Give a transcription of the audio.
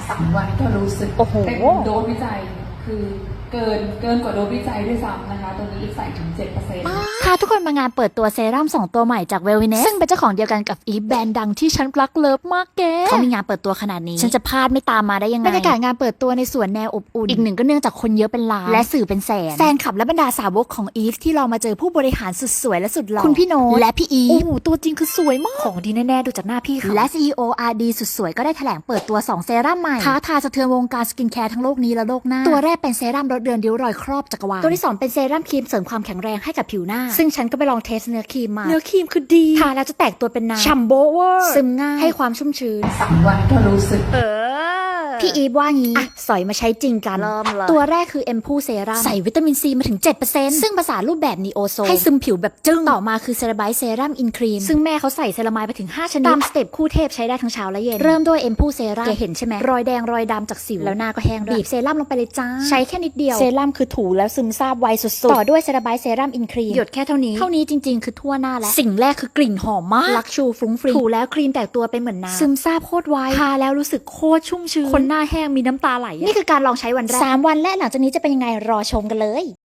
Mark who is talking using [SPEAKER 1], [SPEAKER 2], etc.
[SPEAKER 1] 3 วันก็รู้สึก
[SPEAKER 2] โอ้โห
[SPEAKER 1] เป็นโดสวิจัยคือเกินกว่าโดสวิจัยด้วยซ้ำนะคะตรงนี้ใส่ถึง 7%
[SPEAKER 2] พาทุกคนมางานเปิดตัวเซรั่ม2 ตัวใหม่จากเวลวิเนสซึ่งเป็นเจ้าของเดียวกันกับอีฟแบรนด์ดังที่ฉันรักเลิฟมากแกเขามีงานเปิดตัวขนาดนี้ฉันจะพลาดไม่ตามมาได้ยังไงบรรยากาศงานเปิดตัวในสวนแนวอบอุ่นอีกหนึ่งก็เนื่องจากคนเยอะเป็นล้านและสื่อเป็นแสนคลับและบรรดาสาวกของอีฟที่เรามาเจอผู้บริหารสุดสวยและสุดหล่อคุณพี่โน้ตและพี่อีฟโอ้โหตัวจริงคือสวยมากของดีแน่ๆดูจากหน้าพี่เขาและ CEO RD สุดสวยก็ได้แถลงเปิดตัว2 เซรั่มใหม่ท้าทายสะเทือนวงการสกินแคร์ทั้งโลกนี้และโลกหน้าตัวแรกเป็นเซรั่มลดเลือนริ้วรอยครอบจักรวาลตัวที่2เป็นเซรั่มครีมเสริมความแข็งแรงให้กับผิวหน้าซึ่งฉันก็ไปลองเทสเนื้อครีมมาเนื้อครีมคือดีทาแล้วจะแตกตัวเป็นน้ำฉ่ำโบเวอร์ซึมง่ายให้ความชุ่มชื้น
[SPEAKER 1] 3 วันก็รู้สึก
[SPEAKER 2] พี่อีฟว่างี้สอยมาใช้จริงกันตัวแรกคือเอ็มพูเซรั่มใส่วิตามินซีมาถึง 7% ซึ่งภาษารูปแบบนีโอโซให้ซึมผิวแบบจึ้งต่อมาคือเซราไบต์เซรั่มอินครีมซึ่งแม่เขาใส่เซรามายไปถึง5 ชนิดตามสเต็ปคู่เทพใช้ได้ทั้งเช้าและเย็นเริ่มด้วยเอ็มพูเซรั่มเห็นใช่ไหมรอยแดงรอยดำจากสิวแล้วหน้าก็แห้งบีบเซรั่มลงไปเลยจ้าใช้แค่นิดเดียวเซรั่มคือถูแล้วซึมซาบไวสุดๆต่อด้วยเซราไบต์เซรั่มอินครีมหยดแค่เท่านี้จริงๆคือทั่วหน้าแล้วสิ่งแรกคือกลิ่นหอมมากลักชูฟรุ้งฟริ้งถูแล้วครีมแตกตัวเป็นเหมือนน้ำซึมซาบโคตรไวทาแล้วรู้สึกโคตรชุ่มชื้นคนหน้าแห้งมีน้ำตาไหลนี่คือการลองใช้วันแรก3 วันและหลังจากนี้จะเป็นยังไงรอชมกันเลย